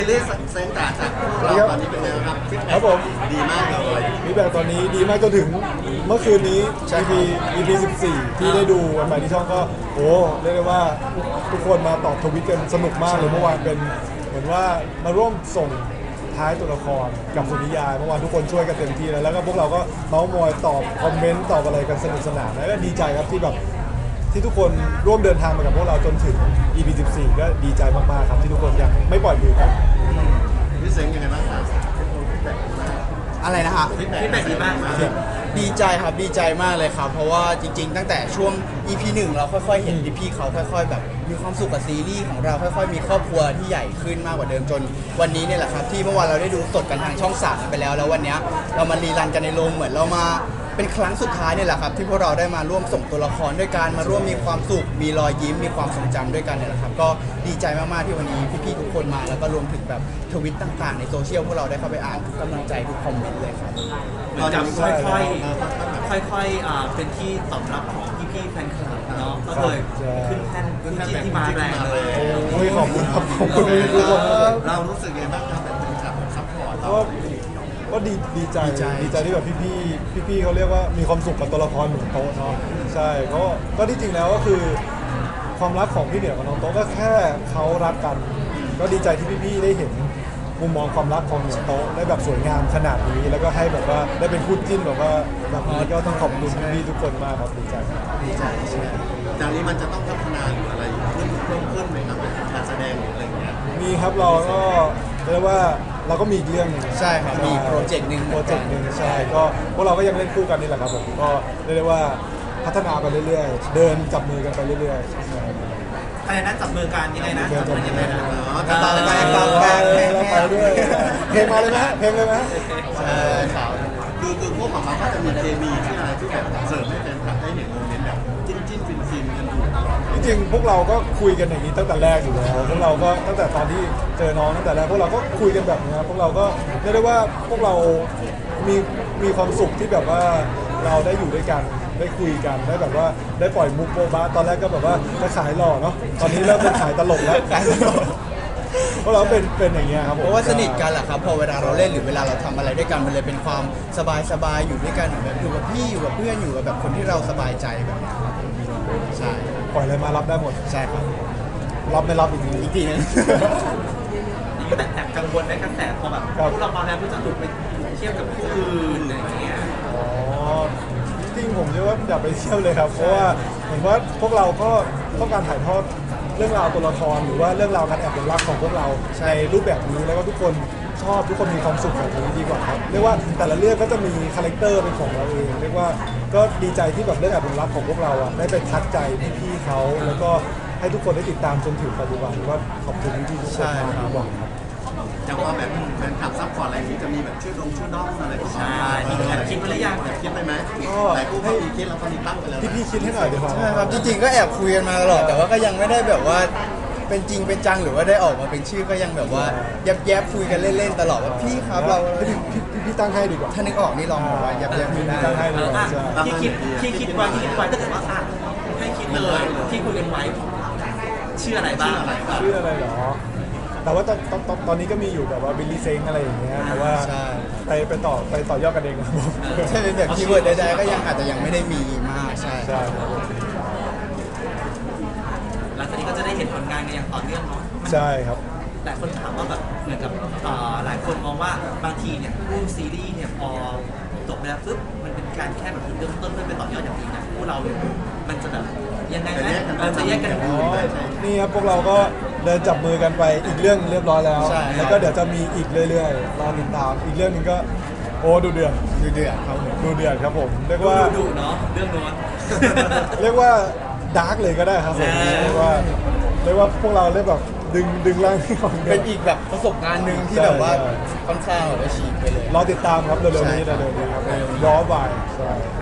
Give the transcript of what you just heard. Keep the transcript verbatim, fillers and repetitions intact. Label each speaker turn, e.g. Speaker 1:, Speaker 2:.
Speaker 1: เรื่องเซนต์จากเราตอนนี้เป็นไงครับ
Speaker 2: ครับผม
Speaker 1: ดีมากเลย
Speaker 2: ฟีดแบ็กตอนนี้ดีมากจนถึงเมื่อคืนนี้ อี พี อี พี สิบสี่ ที่ได้ดูวันใหม่ที่ช่องก็โอ้เรียกได้ว่าทุกคนมาตอบทวิตกันสนุกมากเลยเมื่อวานเป็นเหมือนว่ามาร่วมส่งท้ายตัวละครกับสุนิยายเมื่อวานทุกคนช่วยกันเต็มที่แล้วแล้วก็พวกเราก็เมาส์มอยตอบคอมเมนต์ตอบอะไรกันสนุกสนานแล้วก็ดีใจครับที่แบบที่ทุกคนร่วมเดินทางมากับพวกเราจนถึง อี พี สิบสี่ ก็ดีใจมากๆครับที่ทุกคนยังไม่ปล่อยมือกัน
Speaker 1: พี่เซ็งยังไงบ้างครับ
Speaker 3: อะไรนะฮะ
Speaker 1: ฟีดแบ็กดีมาก
Speaker 3: ดีใจครับดีใจมากเลยครับเพราะว่าจริงๆตั้งแต่ช่วง อี พี หนึ่งเราค่อยๆเห็นพี่ๆเขาค่อยๆแบบมีความสุขกับซีรีส์ของเราค่อยๆมีครอบครัวที่ใหญ่ขึ้นมากกว่าเดิมจนวันนี้เนี่ยแหละครับที่เมื่อวานเราได้ดูสดกันทางช่องสามไปแล้วแล้ววันนี้เรามารีรันกันในโรงเหมือนเรามาเป็นครั้งสุดท้ายเนี่ยแหละครับที่พวกเราได้มาร่วมส่งตัวละครด้วยกันมาร่วมมีความสุขมีรอยยิ้มมีความทรงจำด้วยกันเนี่ยแหละครับก็ดีใจมากๆที่วันนี้พี่ๆทุกคนมาแล้วก็รวมถึงแบบทวิตต่างๆในโซเชียลพวกเราได้เข้าไปอ่านทุกกำลังใจทุกคอมเมนต์เลยครับ
Speaker 4: เหมือนกับค่อยๆค่อยๆอ่าเป็นที่ตอบรับของพี่ๆแฟนคลับเนาะก็เลยขึ้นแท่นขึ้นที่ที่มาแรงเลย
Speaker 2: โอ้ยขอบคุณครับขอบคุณทุกคน
Speaker 1: เรารู้สึกยังไงบ้างครับแบบเป็นครับซัพพอร์ตเรา
Speaker 2: ก็ดีดีใจดีใจที่แบบพี่ๆพี่ๆเขาเรียกว่ามีความสุขกับตัวละครหนุ่มโต๊ะเนาะใช่ก็ก็ที่จริงแล้วก็คือความรักของพี่เหนือกับน้องโต๊ะก็แค่เขารักกันก็ดีใจที่พี่ๆได้เห็นมุมมองความรักของหนุ่มโต๊ะได้แบบสวยงามขนาดนี้แล้วก็ให้แบบว่าได้เป็นคู่จิ้นแบบว่าแบบนี้ก็ต้องขอบคุณพี่ๆทุกคนมากครับดีใจ
Speaker 3: ดีใจใช่
Speaker 1: จากนี้มันจะต้องพัฒนาหรืออะไรขึ้นเพิ่มขึ้นไหมครับการแสดงหรืออะไรอย่างเงี้ย
Speaker 2: มีครับเราก็เรียกว่าเราก็มีเรื่อง
Speaker 3: ใช่ครับมีโปรเจกต์หนึ่ง
Speaker 2: โปรเจกต์หนึ่งใช่ก็พวกเราก็ยังเล่นคู่กันนี่แหละครับผมก็เรียกได้ว่าพัฒนาไปเรื่อยๆเดินจับมือกันไปเรื่อยๆ
Speaker 4: อะไรนะจับมือกันยังไงนะจับมือยังไงนะ
Speaker 3: กระเป๋าแบกกระเป๋าแบก
Speaker 2: ไปด้วยเพลงมาเลยไหมเพลงเลยไหม
Speaker 3: ใช่ครับ
Speaker 1: คือคือพวกของเราก็จะมีเคมีที่อะไรที่แบบเสริมให้แฟนคลับได้เห็นโมเมนต์แบบจิ้นจิ้นฟินฟินกันอยู่ตลอด
Speaker 2: จริงๆพวกเราก็คุยกันอย่างนี้ตั้งแต่แรกอยู่แล้วพวกเราก็ตั้งแต่ตอนที่เจอน้องตั้งแต่แรกพวกเราก็คุยกันแบบนี้พวกเราก็เรียกได้ว่าพวกเรามีมีความสุขที่แบบว่าเราได้อยู่ด้วยกันได้คุยกันได้แบบว่าได้ปล่อยมุกโบ๊ะบ้าตอนแรกก็แบบว่าจะขายหล่อเนาะตอนนี้เริ่มเป็นขายตลกแล้วเพราะเราเป็นเป็นอย่างเงี้ยครับ
Speaker 3: เพราะว่าสนิทกันแหละครับพอเวลาเราเล่นหรือเวลาเราทำอะไรด้วยกันมันเลยเป็นความสบายสบายอยู่ด้วยกันแบบอยู่กับพี่อยู่กับเพื่อนอยู่กับแบบคนที่เราสบายใจแบบนี้ครับใช่
Speaker 2: ปล่อยอะไรมารับได้หมด
Speaker 3: ใช่ครับ
Speaker 2: รับไม่รับอีกที
Speaker 3: อีกทีนึง
Speaker 4: แต่แอบกังวลในกระแสพอแบบพวกเรามาแล้วก็จะถูกไปเทียบกับผู้อื่นอะไรเงี้ย
Speaker 2: อ๋อจริงผมเชื่อว่าอย่าไปเทียบเลยครับเพราะว่าเหมือนว่าพวกเราก็ต้องการถ่ายทอดเรื่องราวตัวละครหรือว่าเรื่องราวการแอบเป็นรักของพวกเราในรูปแบบนี้แล้วก็ทุกคนชอบทุกคนมีความสุขแบบนี้ดีกว่าครับเรียกว่าแต่ละเรื่องก็จะมีคาแรคเตอร์เป็นของเราเองเรียกว่าก็ดีใจที่แบบเรื่องแอบเป็นรักของพวกเราอ่ะได้ไปทัดใจพี่ๆเขาแล้วก็ให้ทุกคนได้ติดตามจนถึงปัจจุบันก็ขอบคุณพี่ๆทุกคนมากครับ
Speaker 1: จะว่าแบบแฟนคลับซัพพอร์ตอะไรที่จะมีแบบชื่อดงชื่อด้อมอะไรของเรา
Speaker 4: แอบคิดไปหรือยัง
Speaker 1: แอบคิดไปไหมแต่ผู้ให้คิดแล้วตอนนี้ตั้งไปแล้ว
Speaker 2: พี่ๆคิดให้หน่อยดีกว่า
Speaker 3: ใช่ครับจริงๆก็แอบคุยกันมาตลอดแต่ว่าก็ยังไม่ได้แบบว่าเป็นจริงเป็นจังหรือว่าได้ออกมาเป็นชื่อก็ยังแบบว่าแยบๆคุยกันเล่นๆตลอดว่าพี่ครับเรา
Speaker 2: พี่พี่ตั้งให้ดีกว่า
Speaker 3: ถ้านึกออกนี่ลองบอกว่าแยบๆไม่ได้
Speaker 2: ตั้งให้ดีกว่า
Speaker 4: ที่คิดที่คิดไว้ที่คิดไว้ถ้าเกิดว่าให้คิดเลยที่คุยกันไว้ชื่ออะไรบ้าง
Speaker 2: ชื่ออะไรหรอแต่ว่าตอนตอนตอนนี้ก็มีอยู่แบบว่าบิลลี่เซ็งอะไรอย่างเงี้ยแต่ว่าไปไปต่อไปต่อยอดกันเองครับผม
Speaker 3: ใช่เป็นแบบคีย์เวิร์ดใดๆก็ยังอาจจะยังไม่ได้มีมากใช่
Speaker 2: ใช่
Speaker 4: หลังจากนี้ก็จะได้เห็นผลงานกันอย่างต่อเนื่องเนาะ
Speaker 2: ใช่ครับ
Speaker 4: แต่คนถามว่าแบบเหมือนกับหลายคนมองว่าบางทีเนี่ยรูปซีรีส์เนี่ยพอจบไปแล้วปุ๊บมันเป็นการแค่แบบเริ่มต้นเพื่อไปต่อยอดอย่างดีนะพวกเราเนี่ยมันจะแบบยังไงไหมเราจะแยกกัน
Speaker 2: นี่ครับพวกเราก็เดินจับมือกันไปอีกเรื่องเรียบร้อยแล้วแล้วก็เดี๋ยวจะมีอีกเรื่อยๆรอติดตามอีกเรื่องนึงก็โอ้ดูเดือด
Speaker 3: ดูเดือดครับผม
Speaker 2: ดูเดือดครับผมเรียกว่า
Speaker 4: ดูเนาะเรื่องโน้น
Speaker 2: เรียกว่าดาร์กเลยก็ได้ครับผมเรียกว่าเรียกว่าพวกเราเรียกแบบดึงดึงร่างที่ของ
Speaker 3: เป็นอีกแบบประสบการณ์หนึ่งที่แบบว่าค่อนข้างแบบฉีกไปเลย
Speaker 2: รอติดตามครับเร็วๆนี้เร็วๆนี้ครับย้อนวายใช่